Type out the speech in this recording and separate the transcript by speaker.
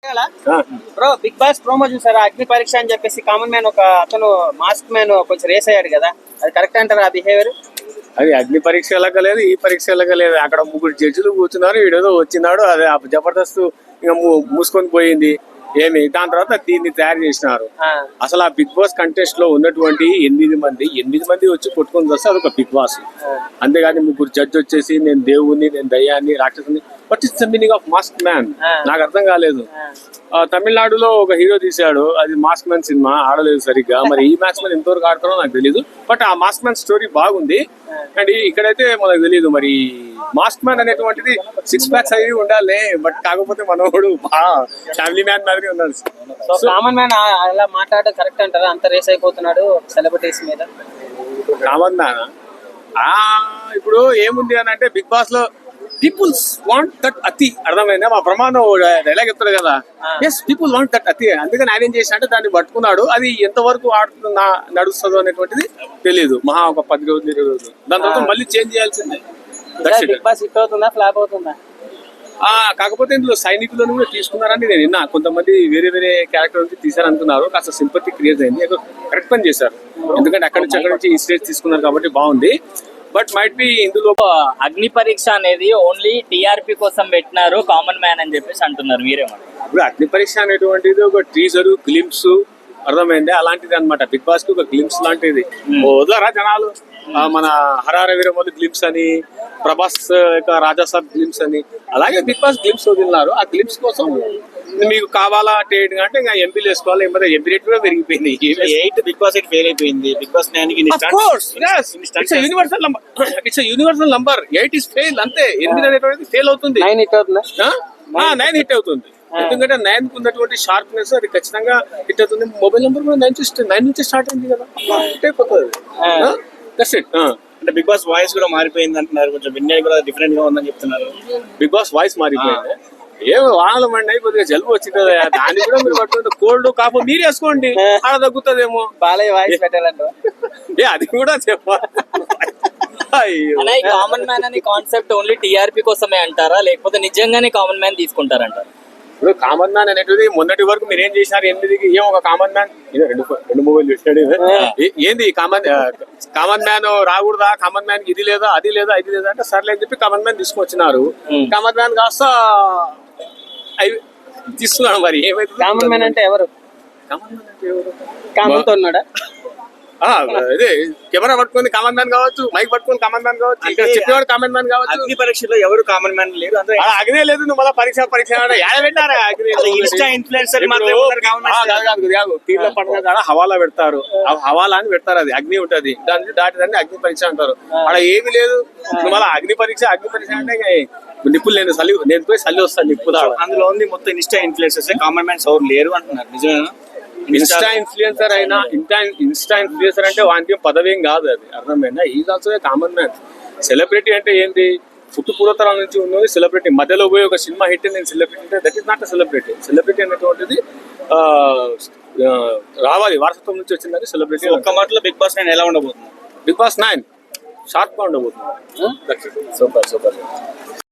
Speaker 1: Bro big boss promo చూసారా? అగ్ని పరీక్ష అని చెప్పేసి కామన్ మ్యాన్ ఒక అతను మాస్క్ మ్యాన్ కొంచెం రేస్ అయ్యాడు కదా, అది కరెక్ట్ అంటారా ఆ బిహేవియర్?
Speaker 2: అది అగ్ని పరీక్ష ఎలాగలేదు, ఈ పరీక్ష ఎలాగలేదు. అక్కడ ముగ్గురు జడ్జిలు కూర్చున్నారు, వీడేదో వచ్చినాడు, అదే జబర్దస్త్ ఇంకా మూసుకొని పోయింది. ఏమి దాని తర్వాత దీన్ని తయారు చేసినారు. అసలు ఆ బిగ్ బాస్ కంటెస్ట్ లో ఉన్నటువంటి 8 మంది వచ్చి కొట్టుకొని వస్తే అదొక బిగ్ బాస్. అంతేగాని ముగ్గురు జడ్జి వచ్చేసి నేను దేవుణ్ణి, నేను దయ్యాన్ని, రాక్షసుని. What is the meaning of mask man? నాకు అర్థం కాలేదు. తమిళనాడులో ఒక హీరో తీశాడు, అది మాస్క్ మ్యాన్ సినిమా, ఆడలేదు సరిగ్గా. మరి ఈ మాస్క్ మ్యాన్ ఎంతవరకు ఆడుతారో నాకు తెలియదు. బట్ ఆ మాస్క్ మ్యాన్ స్టోరీ బాగుంది. అండ్ ఇక్కడైతే మనకు తెలియదు మరి మాస్క్ మ్యాన్ అనేటువంటిది 6 ప్యాక్స్ అవి ఉండాలి. బట్ కాకపోతే మనోడు ఫ్యామిలీ మ్యాన్ మాదిరి ఉన్నాడు.
Speaker 1: సో కామన్ మ్యాన్ అలా మాట్లాడడం కరెక్ట్ అంటారా? అంత రేస్ అయిపోతున్నాడు సెలబ్రిటీస్ మీద.
Speaker 2: కామన్ మ్యాన్ ఇప్పుడు ఏముంది అని అంటే, బిగ్ బాస్ లో పీపుల్స్ వాంట్ దట్ అతి. అర్థమైందా? మా ప్రమాణం డైలాగ్ చెప్తాడు కదా, ఎస్ పీపుల్ వాంట్ దట్ అతి. అందుకని ఆయన ఏం చేసిన అంటే దాన్ని పట్టుకున్నాడు. అది ఎంతవరకు నడుస్తుందో అనేటువంటిది తెలియదు. మహా ఒక 10 రోజులు 20 రోజులు, దాని తర్వాత మళ్ళీ చేంజ్ చేయాల్సిందే.
Speaker 1: బిగ్ బాస్ హిట్ అవుతుందా ఫ్లాప్ అవుతుందా?
Speaker 2: కాకపోతే ఇందులో సైనికులను కూడా తీసుకున్నారని నేను విన్నా. కొంతమంది వేరే క్యారెక్టర్ నుంచి తీసారనుకున్నారు. కాస్త సింపతి క్రియేట్ అయింది. కరెక్ట్ పని చేశారు. ఎందుకంటే అక్కడి నుంచి ఈ స్టేజ్ తీసుకున్నారు కాబట్టి బాగుంది. బట్ మైట్ బి ఇందులో
Speaker 3: అగ్ని పరీక్ష అనేది ఓన్లీ టీఆర్పీ కోసం పెట్టినారు కామన్ మ్యాన్ అని చెప్పేసి అంటున్నారు. మీరేమంటారు?
Speaker 2: ఇప్పుడు అగ్ని పరీక్ష అనేటువంటిది ఒక టీజర్ గ్లిమ్స్, అర్థమైంది, అలాంటిది అనమాట. బిగ్ బాస్ కి ఒక గ్లిమ్స్ లాంటిది. వదలరా జనాలు. మన హరార వీరమల్లి గ్లిమ్స్ అని, ప్రభాస్ రాజాసాబ్ గ్లిమ్స్ అని, అలాగే బిగ్ బాస్ గ్లిమ్స్ వదిలినారు. ఆ గ్లిమ్స్ కోసం మీకు కావాలా అంటే ఇంకా ఎంపీలు వేసుకోవాలి. ఎంపీ రేట్ కూడా పెరిగిపోయింది.
Speaker 4: 8 బిగ్ బాస్ ఫెయిల్ అయిపోయింది. Bigg Boss
Speaker 2: universal number. 8 is fail, అంతే. 8 అనేటువంటిది ఫెయిల్ అవుతుంది.
Speaker 1: 9 హిట్ అవుతుందా?
Speaker 2: 9 హిట్ అవుతుంది. ఎందుకంటే 9 కు ఉన్నటువంటి షార్ప్నెస్ అది ఖచ్చితంగా హిట్ అవుతుంది. మొబైల్ నెంబర్ కూడా 9 నుంచి స్టార్ట్ అయింది కదా, హిట్ అయిపోతుంది.
Speaker 4: అంటే బిగ్ బాస్ వాయిస్ కూడా మారిపోయింది అంటున్నారు. కొంచెం విన్నర్ కూడా డిఫరెంట్ గా ఉందని చెప్తున్నారు.
Speaker 2: బిగ్ బాస్ వాయిస్ మారిపోయింది. ఏమో వానలు మండి కొద్దిగా జలుబు వచ్చింది కదా, దాన్ని కూడా మీరు పట్టుకుంటే కోల్డ్ కాపు మీరు వేసుకోండి, అలా తగ్గుతుందేమో.
Speaker 1: బాలయ్య వాయిస్ పెట్టాలంట.
Speaker 2: అది కూడా చెప్పాలి.
Speaker 3: కామన్ మ్యాన్ అనే కాన్సెప్ట్ ఓన్లీ టీఆర్పీ కోసమే అంటారా, లేకపోతే నిజంగానే కామన్ మ్యాన్ తీసుకుంటారంటారా?
Speaker 2: ఇప్పుడు కామన్ మ్యాన్ అనేటిది మొన్నటి వరకు మీరు ఏం చేసినారు? 8కి ఏం ఒక కామన్ మ్యాన్, రెండు మొబైల్ చూసాడు. ఏంది కామన్ మ్యాన్ రాకూడదా? కామన్ మ్యాన్ ఇది లేదా అది లేదా అంటే సర్లే అని చెప్పి కామన్ మ్యాన్ తీసుకొచ్చినారు. కామన్ మ్యాన్ కాస్త తీసుకున్నాడు. మరి ఏమైతే
Speaker 1: కామన్ మ్యాన్ అంటే ఎవరు?
Speaker 2: కామన్ మ్యాన్ అంటే ఎవరు?
Speaker 1: కామన్ తో ఉన్నాడా?
Speaker 2: అదే కెమెరా పట్టుకుని కామన్ మ్యాన్ కావచ్చు, మైక్ పట్టుకుని కామన్ మ్యాన్ కావచ్చు, ఇక్కడ చెప్పేవాడు కామన్ మ్యాన్ కావచ్చు.
Speaker 4: అగ్ని పరీక్షలో ఎవరు కామన్ మ్యాన్ లేరు.
Speaker 2: అగ్నే లేదు. నువ్వు మళ్ళీ పరీక్ష పెట్టారా?
Speaker 4: ఇన్స్టా ఇన్ఫ్లుయెన్సర్
Speaker 2: తీర్ల పండుగ కాడ హవాలా పెడతారు. హవాలా అని పెడతారు. అది అగ్ని ఉంటది, దాన్ని దాటిదాన్ని అగ్ని పరీక్ష అంటారు. అక్కడ ఏమి లేదు. నువ్వు మళ్ళీ అగ్ని పరీక్ష అంటే నిప్పులు నేను పోయి చల్లి వస్తాను నిప్పు.
Speaker 4: అందులో ఉంది మొత్తం ఇన్స్టా ఇన్ఫ్లుయెన్సర్స్. కామన్ మ్యాన్స్ ఎవరు లేరు అంటున్నారు. నిజమేనా?
Speaker 2: ఇన్స్టా ఇన్ఫ్లుయెన్సర్ అయినా ఇన్స్టా ఇన్ఫ్లుయెన్సర్ అంటే వానికి పదవేం కాదు, అది అర్థమైందా? Is also common man. Celebrity అంటే ఏంటి? పూర్వతరాల నుంచి ఉన్నది సెలబ్రిటీ. మధ్యలో పోయి ఒక సినిమా హిట్ నేను సెలబ్రిటీ అంటే that is not a celebrity. Celebrity అనేటువంటిది రావాలి, వారసత్వం నుంచి వచ్చిందని సెలబ్రిటీ.
Speaker 4: ఒక్క మాటలో బిగ్ బాస్ 9 ఎలా ఉండబోతుంది?
Speaker 2: బిగ్ బాస్ 9 షార్ప్ గా ఉండబోతుంది. సూపర్.